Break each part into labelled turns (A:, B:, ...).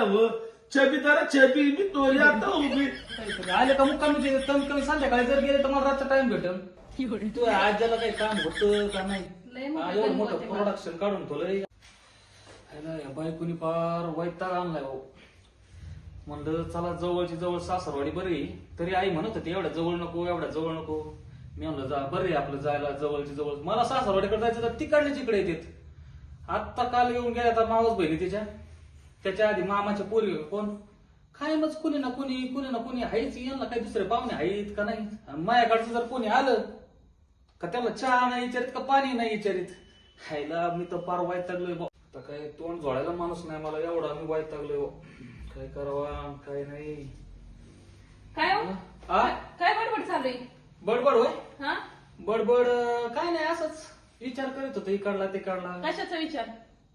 A: हो छबीदार छबी मी तो आता उभी
B: काहीतरी आले का मुक्कामी कमी कमी संध्याकाळी जर गेले तर मला रातचा टाइम भेटेल. तू आज्याला काही काम होतं का नाही?
C: लय मोठं
B: एवढं
C: काम
B: मोठं
C: होते मला.
B: प्रोडक्शन काढून ठेवलंय. या बायकोनी फार वैताग आणलाय भाऊ. म्हणलं चला जवळची जवळ सासरवाडी बरी, तरी आई म्हणत होती एवढ्या जवळ नको एवढ्या जवळ नको. मी म्हणलं जा बरे आपलं जायला जवळची जवळ. मला सासरवाडीकडे जायचं तर तिकडल्याच इकडे येतात. आत्ता काल येऊन गेल्या आता मावस बहिणी त्याच्या आधी मामाच्या पोरी कोण काय मग कुणी ना कुणी हायच. यांना काही दुसरे पाहुणे आहेत का नाही? आणि माझ्याकडचं जर कोणी आलं का त्याला चहा नाही विचारित का पाणी नाही विचारित. खायला मी तर फार वैतागलोय बा. आता काय तोंड जोडायला माणूस नाही मला, एवढा मी वैतागलोय बा. काय करावा काय नाही.
C: काय हो?
B: आ?
C: काय बडबड चालू आहे?
B: बडबड होय
C: हा
B: बडबड काय नाही असंच विचार करीत होतो इकडला तिकडला.
C: कशाचा विचार?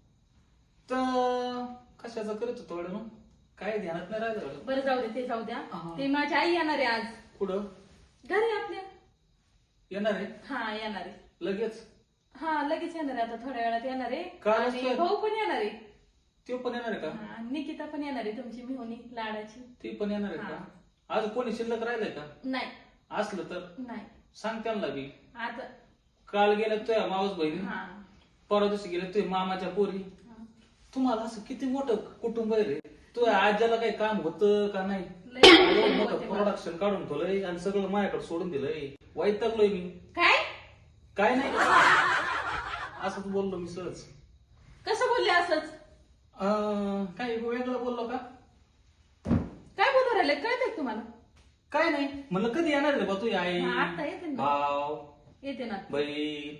B: तर कशाचं करीत होतो एवढं मग काय ध्यानात नाही राहिलं.
C: बरं जाऊ दे, ते जाऊ द्या.
B: हा.
C: ते माझी आई येणार आहे आज
B: कुठं
C: घरी आपल्या.
B: येणार आहे
C: हा येणार आहे.
B: लगेच?
C: हा लगेच येणार आहे, आता थोड्या वेळात येणार आहे.
B: काय
C: आणि
B: असतं?
C: भाऊ पण येणार आहे.
B: ते पण येणार आहे का?
C: हा, निकिता पण येणार आहे तुमची मिहोनी लाडाची.
B: ती पण येणार आहे
C: हा.
B: का? आज कोणी शिल्लक राहिलंय का?
C: नाही
B: असलं तर
C: नाही
B: सांग त्यांना बी.
C: आता
B: काल गेल्या तुझ्या मावस बहिणी,
C: हा
B: परवा दिवशी गेल्या तुझ्या मामाच्या पोरी.
C: हा.
B: तुम्हाला असं किती मोठं कुटुंब आहे रे. तुझ्या आज्याला काही काम होतं का नाही?
C: लय
B: एवढं मोठं
C: होते मला.
B: प्रोडक्शन काढून ठेवलंय आणि सगळं माझ्याकडे सोडून दिलंय. वैतागलोय मी.
C: काय
B: काय नाही असंच बोललो मी सहज.
C: कसं बोलले असंच?
B: काय वेगळं बोललो का?
C: काय बोलू राहिले कळतंय का तुम्हाला?
B: काय नाही म्हणलं कधी येणार रे बा तू आई
C: हा, आता येते ना.
B: भाव
C: येते ना.
B: बहीण.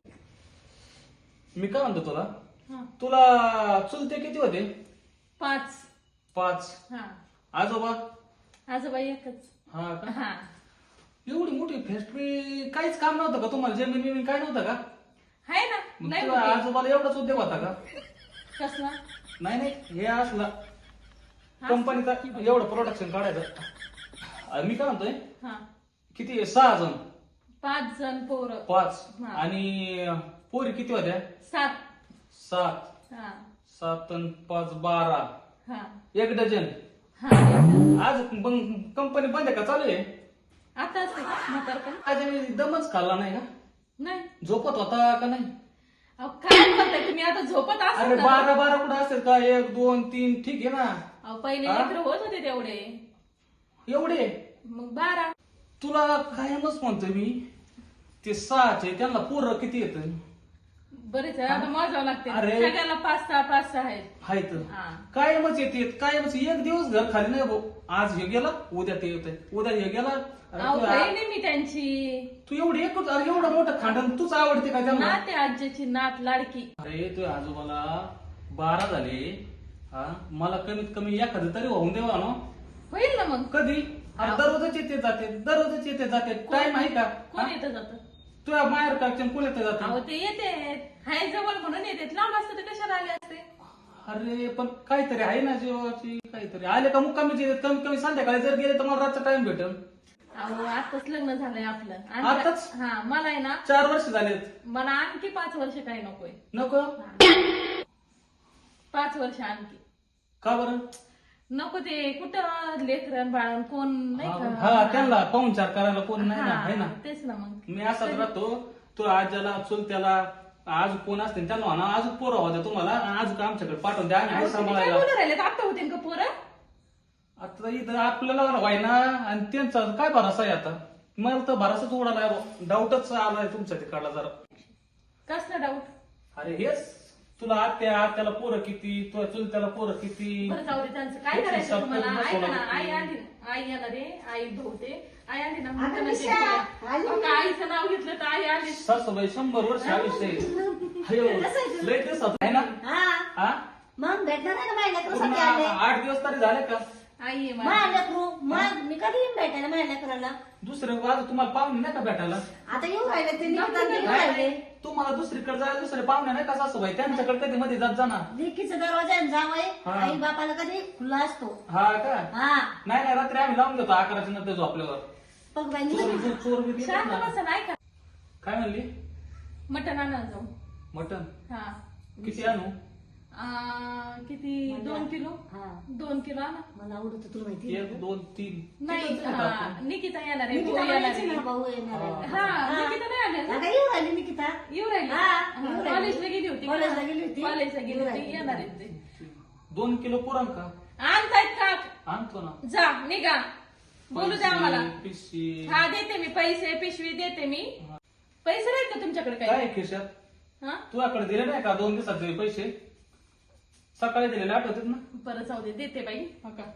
B: मी काय म्हणतो तुला,
C: हा.
B: तुला चुलते किती होते?
C: 5.
B: 5.
C: हा
B: आजोबा?
C: आजोबा एकच.
B: हा का?
C: हा
B: एवढी मोठी फॅक्टरी काहीच काम नव्हतं का तुम्हाला? जमीन बिमीन काय नव्हतं का?
C: आहे ना.
B: मग
C: नाही
B: तुला
C: होते.
B: आजोबाला एवढाच उद्योग होता का?
C: कसला?
B: नाही नाही हे असला कंपनीचा एवढं प्रोडक्शन काढायचं. मी काय म्हणतोय
C: हा
B: किती 6 जण?
C: 5 जण पोरं.
B: 5
C: हा.
B: आणि पोरी किती होत्या?
C: 7.
B: 7.
C: हा
B: 7 आणि 5 12.
C: हा
B: 1 डझन.
C: हा
B: आज कंपनी बंद आहे का चालू आहे?
C: आता असते म्हातारपण.
B: आज मी दमच खाल्ला नाही का?
C: नाही.
B: झोपत होता का नाही?
C: अहो काय बोलताय तुम्ही? आता झोपत
B: अरे
C: असाल ना?
B: 12 कुठं असेल का? 1 2 3 ठीक आहे ना.
C: अहो पहिले
B: हा?
C: लेकरं होत होते तेवढे,
B: एवढे
C: मग 12.
B: तुला कायमच म्हणतोय मी ते 6चे त्यांना पोरं किती येत
C: बरेच आहे, आता मोजावं लागते.
B: अरे.
C: सगळ्याला 5 6 आहेत.
B: आहेत?
C: हा.
B: कायमच येते कायमच. एक दिवस घर खाली नाही भाऊ. आज हे गेला उद्या ते येत, उद्या हे गेला. अरे
C: अहो
B: तू
C: बहिणी मी त्यांची
B: तू एवढी एकच अरे एवढं मोठं खांडण तूच आवडते का त्यांना?
C: नाते आजीची नात लाडकी.
B: अरे तू आजोबाला 12 झाले. हा मला कमीत कमी एखादं तरी होऊन देवा ना.
C: होईल ना मग.
B: कधी? अरे दररोजच येते जाते दररोजच येते जाते. टाइम आहे का?
C: कोण येतं जातं?
B: तुझ्या माहेर काढच्या कोण येते जाते?
C: अहो ते येते हाय जवळ म्हणून येते. लांब असतं तर कशाला आले असते?
B: अरे पण काहीतरी आहे ना जीवाची काहीतरी. आले का मुक्कामीच येतात. कमीत कमी संध्याकाळी जर गेले तर मला रातचा टाइम भेटेल.
C: अहो आताच लग्न झालंय आपलं.
B: आताच?
C: हा मला आहे ना
B: 4 वर्ष झालेत.
C: मला आणखी 5 वर्ष काही नकोय.
B: नको?
C: 5 वर्ष आणखी
B: का बरं?
C: नको. ते कुठं लेकरं बाळण कोण नाही
B: हा
C: का?
B: त्यांना पाहुणचार करायला कोण नाही ना,
C: हा,
B: आहे ना.
C: तेच ना मग.
B: मी असाच राहतो. तुला आज्याला चुलत्याला आज कोण असते त्यांना म्हणा आज पोरं होत्या तुम्हाला आज आमच्याकडे पाठवून द्या.
C: अहो,
B: आम्ही
C: तुम्ही काय
B: सांभाळायला.
C: बोलू राहिले? आता होते का पोरं?
B: आता इथं आपल्याला व्हायना आणि त्यांचा काय भरोसा आहे आता? मला तर भरोसाच उडाला. डाऊटच आलाय तुमच्या तिकडला जरा.
C: कसला डाऊट?
B: अरे हेच तुला आत्याला पोरं किती, तुला चुलत्याला पोरं किती.
C: बरं जाऊ दे. त्यांचं काय
B: किती
C: करायचं तुम्हाला?
B: सबकडून
C: ऐका ना,
B: बसवलं
C: आई
B: किती.
C: आली. आई येणार आहे. आई धुवते. आई आली ना
D: अगं
C: म्हणते म्हणजे
D: निशा,
C: बोला.
D: आली
C: अहो, का आईचं नाव घेतलं तर आई आली.
B: सासूबाई 100 वर्ष आयुष्य आहे. अयो, लय दिवस होत आहे ना.
D: हा
B: हा
D: मग भेटणार नाही का माझ्या
B: पूर्ण
D: लेकरूसाठी आले
B: 8 दिवस तरी झाले का?
C: आई आहे
D: माझ्या
C: माझी.
D: लेकरू मग मी कधी येईन भेटायला माझ्या लेकराला?
B: दुसरे आज तुम्हाला पाहुणे नाही का भेटायला?
D: आता येऊ राहिले ते
C: नको
D: निकिता
C: नाही.
D: येऊ राहिले.
B: तुम्हाला दुसरीकडे जायला दुसरे पाहुणे नाही का सासूबाई? त्यांच्याकडे कधी मध्ये जात जाणार.
D: लेकीचा दरवाजा जावय
B: हा.
D: आई बापाला कधी खुला असतो.
B: हा का?
D: हा
B: नाही नाही रात्री आम्ही लावून देतो 11च्या नंतर झोपल्यावर.
D: बघ बाई
B: चोर
D: निकिता.
B: चोर बी येतात
C: शांत
B: ना.
C: बसा नाही का?
B: काय म्हणली?
C: मटण आणा जाऊ.
B: मटन
C: हा
B: किती आणू?
C: किती 2 किलो
D: हा
C: 2 किलो आणा.
D: मला आवडत तुला माहिती आहे
B: 1
D: का?
B: 2 3
C: नाही निकिता येणार आहे
D: निकिता
C: भाऊ येणार
D: म्हणायची ना,
C: आहे.
D: भाऊ येणार आहे.
C: हा निकिता नाही आल्या ना?
D: आता येऊ राहिली निकिता.
C: येऊ राहिली
D: हा, येऊ राहिली.
C: कॉलेजला गेली होती का?
D: कॉलेजला गेली होती.
C: कॉलेजला गेली
D: येऊ
C: होती
D: राहिली.
C: येणार आहे ते.
B: 2 किलो पुरण का
C: आणतायत का
B: आणतो ना
C: जा निघा बोलू द्या आम्हाला.
B: पिशवी
C: हा देते मी पैसे पिशवी देते मी. पैसे नाहीत का तुमच्याकडे
B: काय
C: काही
B: आहे खिशात
C: हा
B: तुझ्याकडे दिले नाही का 2 दिवसाचे पैसे सकाळी दिलेले आठवतात ना
C: परत जाऊ दे देते बाई.
B: हा का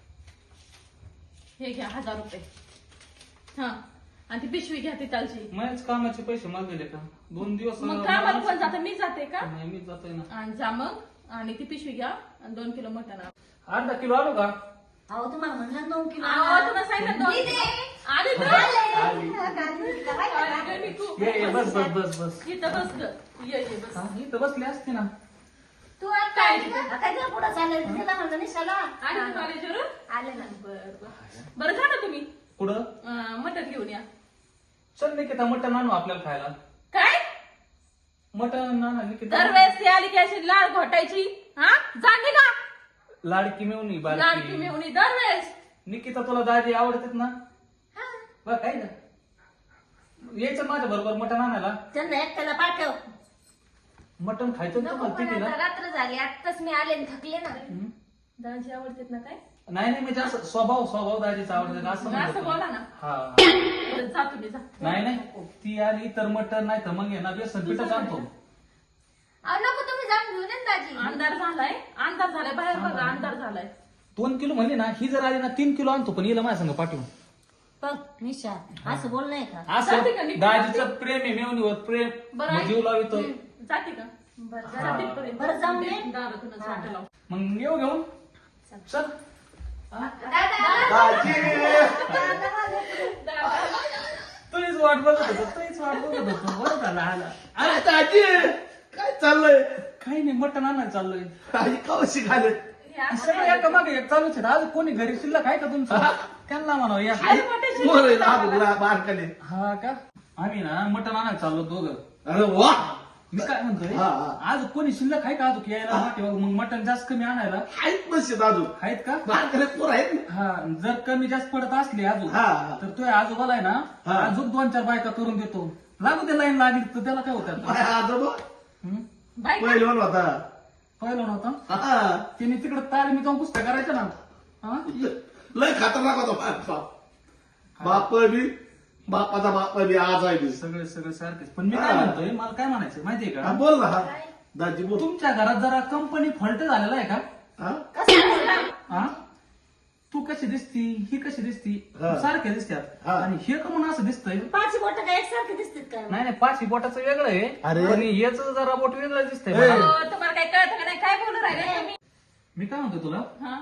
C: हे घ्या 1000 रुपये. हा आणि ती पिशवी घ्या तिथालची.
B: माझ्याच कामाचे पैसे मला दिले का 2 दिवस
C: मग कामाला कोण जातं मी जाते का
B: नाही मी जातोय ना
C: आणि जा मग आणि ती पिशवी घ्या आणि 2 किलो मटण आणा.
B: अर्धा किलो आलो का
D: अहो तुम्हाला म्हणलं 9 किलो
C: अहो,
D: आणा.
C: तुला सांगितलं 2
D: दिदे.
C: आली तर
B: आली.
C: अगं, मी खूप-
B: ये बस बस बस बस
C: इथं बस ग. ये बस.
B: हा, इथं बसली असते ना
D: तू आता
C: काय?
D: आता काय पुढे चालेल तिला म्हणलं नाही शाला
C: आली तू कॉलेजवरून
D: आले ना
C: बरं जा ना तुम्ही
B: पुढं
C: मटण घेऊन या.
B: चल निकिता मटण आणू आपल्याला खायला
C: काय
B: मटण आणा निकिता
C: दरवेळेस ती आली की अशी लाळ घोटायची. हा जागे ना
B: लाडकी मिळून
C: लाडकी
B: बारकी
C: मेवणी दरवेळेस.
B: निकिता तुला दाजी आवडतात ना बघ काय ना यायचं माझ्या बरोबर मटण आणायला
D: त्यांना एकट्याला पाठव.
B: मटण खायचं ना तुम्हाला तिघीला?
E: रात्र झाली आत्ताच मी आले आणि थकले ना
B: हं?
C: दाजी आवडतात ना काय
B: नाही नाही मी जास्त स्वभाव दाजीचा आवडतात असं म्हणत
C: असं
B: होतो.
C: बोला ना.
B: हा
C: बरं, जा तुम्ही जा.
B: नाही नाही ती आली तर मटण नाही तर मग आहे ना बेसन पिठच आणतो
E: अहो नको तुम्ही जाऊन घेऊन या ना दाजी
C: अंधार झालाय बाहेर बघा अंधार झालाय.
B: 2 किलो म्हणली ना ही जर आली ना 3 किलो आणतो पण हिला माझ्या संग पाठवून
D: बघ निशा असं बोल नाही का
B: असं
C: जाते का निकिता?
B: दाजीचं प्रेम आहे मेवणीवर प्रेम
C: बरं
B: मग
C: आहे.
B: जीव लावितो
C: जाते का बरं जरा तिथपर्यंत.
D: बरं, जाऊन ये.
C: दारातूनच वाटा लाव.
B: मग येऊ घेऊन चल हा?
A: दाजी
B: तुझीच वाट बघत होतो तुझीच वाट बघत होतो बरं झालं आला
A: अरे दाजी काय चाललंय
B: काही नाही मटण आणायला चाललोय
A: दाजी कवशी घाले
C: हे असं
B: सगळं एका मागे एक चालूच आहे आज कोणी घरी शिल्लक आहे का तुमचं त्यांना म्हणावं या
A: बारकाले
B: हा का आम्ही ना मटण आणायला चाललो दोघं
A: अरे वा
B: मी काय म्हणतोय
A: हा, हा.
B: आज कोणी शिल्लक आहे का अजून यायला माहिती बघ, मग मटण जास्त कमी आणायला
A: आहेत मस्त दादू
B: आहेत का
A: बारकाले पोर आहेत ना
B: हा जर कमी जास्त पडत असले अजून
A: हा, हा.
B: तर तो आजोबाला आहे ना
A: हा.
B: अजून 2-4 बायका करून देतो लागू दे लाईन लागली तर त्याला काय होतं
A: काय आजोबा
C: बाई का?
A: पहिलवान होता
B: पहिलं नव्हतं
A: हा.
B: तिने तिकडे तालीमी जाऊन कुस्त्या करायच्या ना हा?
A: लय खतरनाक होता बाप बी बापाचा बाप बी आज आहे बी.
B: सगळे सगळे सारखेच पण मी काय म्हणतोय मला काय म्हणायचं माहितीये
A: हा,
B: का
A: बोल ना हा दाजी बोल
B: तुमच्या घरात जरा कंपनी फॉल्ट झालेला आहे का
A: हा?
B: हा तू कशी दिसती ही कशी दिसती
A: हा.
B: सारख्या दिसतात
A: हा.
B: आणि हे का म्हणून असं दिसतंय
D: पाच बोट काय एकसारखे दिसतात का
B: नाही नाही 5 बोटाचं वेगळं आहे
A: अरे.
B: आणि हेच जरा बोट वेगळं दिसतंय
A: ए.
B: मला.
C: हो, तुम्हाला काय कळतं का नाही काय बोलू राहिले तुम्ही
B: मी काय म्हणतो तुला
C: हा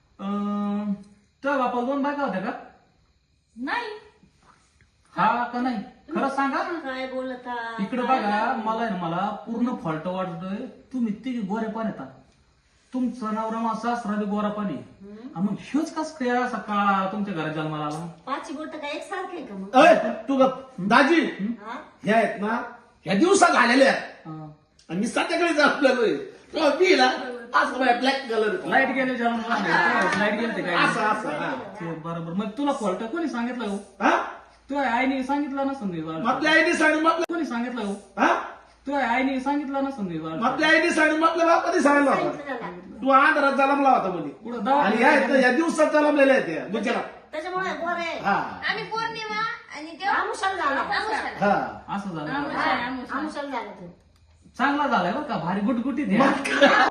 B: तुझ्या बापाला 2 बायका होत्या का
C: नाही
B: हा का नाही खरं सांगा ना
D: काय बोलता
B: इकडे बघा मला आहे ना मला पूर्ण फॉल्ट वाटतोय तुम्ही तिघे गोरे पाणी येतात तुमचं नवरा मा सासरा बी गोरा पाणी मग ह्योच कस काय असा काळा तुमच्या घरात जन्माला आला
D: पाच बोट काय एकसारखे का मग
A: अय, तू गप. दाजी
D: हा?
A: ह्या आहेत ना ह्या दिवसात झालेल्या आहेत
B: हा.
A: आणि मी संध्याकाळी जातलेलोय तेव्हा मी ना असं ब्लॅक कलर
B: लाईट गेले जन्माला लाईट गेले ते काय
A: असं असं हा.
B: ते बरोबर मग तुला फॉल्ट कोणी सांगितलं हो
A: हा?
B: तुझ्या आईने सांगितलं नसं
A: आपल्या आईने सांगितलं आपल्या
B: कोणी सांगितलं हो
A: हा?
B: तुझ्या आईने सांगितलं नसं
A: आपल्या आईने सांगितलं आपल्या बापाने सांगितलं होतं
D: सांगितलं त्याला.
A: तू आंध्रात जन्मला होता म्हणे
B: कुठं
A: आणि ह्या आहेत ना, या दिवसात जन्मलेल्या आहेत या गुजरात
D: त्याच्यामुळे गोरे
A: हा
E: आम्ही पौर्णिमा आणि तेव्हा
D: आमुषाला झाला
E: आमुषाला.
A: हा
B: असं झालं
D: आमुषाला झाला तो
B: चांगला झालाय बरं का भारी गुटगुटीत आहे.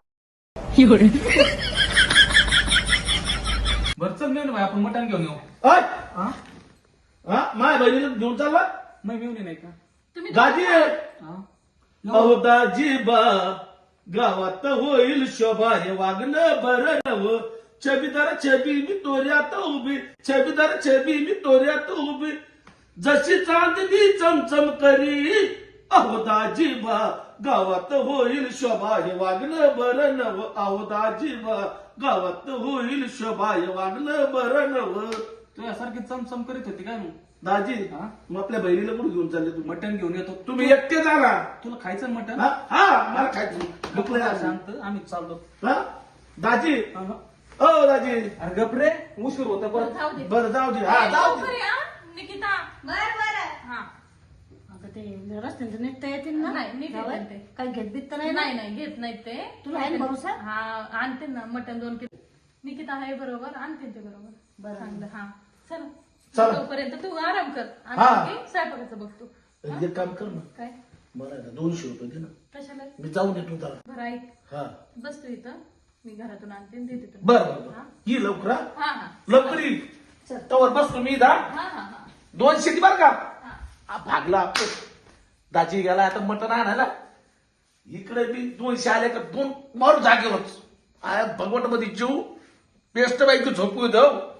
B: बरं चल घेऊन भाई आपण मटण घेऊन येऊ
A: अय,
B: हा
A: हा माझ्या बहिणीला घेऊन चालला
B: नाही मिळून नाही का
C: तुम्ही
A: दाजी
B: हा?
A: अहो दाजी बा गावात होईल शोभा हे वागणं बरं नव छबीदार छबी मी तोऱ्यात उभी छबीदार छबी मी तोऱ्यात उभी जशी चांदणी चमचम करी अहो दाजी बा गावात होईल शोभा हे वागणं बरं नव अहो दाजी बा गावात होईल शोभा हे वागणं बरं नव
B: तुझ्यासारखी चमचम करीत होती काय मग
A: दाजी
B: हा?
A: मग आपल्या बहिणीला कुठे घेऊन चालले तुम्ही
B: मटण घेऊन येतो
A: तुम्ही एकटे जा ना
B: तुला खायचं ना मटण
A: हा हा, मला खायचं भूक लय लागली.
B: शांत आम्ही चाललो
A: हा दाजी
B: हा, हा.
A: ओ दाजी
B: अरे गपरे उशीर होता परत
C: जाऊ दे
A: बरं जाऊ दे हा जाऊ दे
C: लवकर या, निकिता
E: बर
C: हा
D: अगं ते रस्त्यानं निघता येतील ना
C: नाही, नीट
D: गावात?
C: येतील ते.
D: काही घेत बीत तर नाही ना?
C: नाही नाही घेत नाहीत ते
D: तुला आहे ना भरोसा?
C: हा आणते ना मटण 2 किलो निकिता आहे बरोबर आणते ते बरोबर
D: बरं.
C: चांगलं हा चला
A: चला.
C: तोपर्यंत तू आराम कर
A: हा.
C: आणि मी स्वयंपाकाचं बघतो
A: एक काम कर ना
C: काय
A: मला ना 200 रुपये दे ना
C: कशाला
A: मी जाऊन येतो त्याला
C: बरं ऐक
A: हा
C: बस तू इथं मी घरातून आणते आणि देते तुला.
A: बरं बरं
C: हा?
A: बरं ये लवकर हा.
C: हा हा
A: लवकर ये तवर बस तुम्ही दा
C: हा हा हा
A: 200 बर का
C: हा
A: हा, भागला दाजी गेला आता मटण आणायला इकडे मी 200 आले का 2 मारू जागेवरच भगवत मध्ये जीव पेस्ट बाईक झोपू देव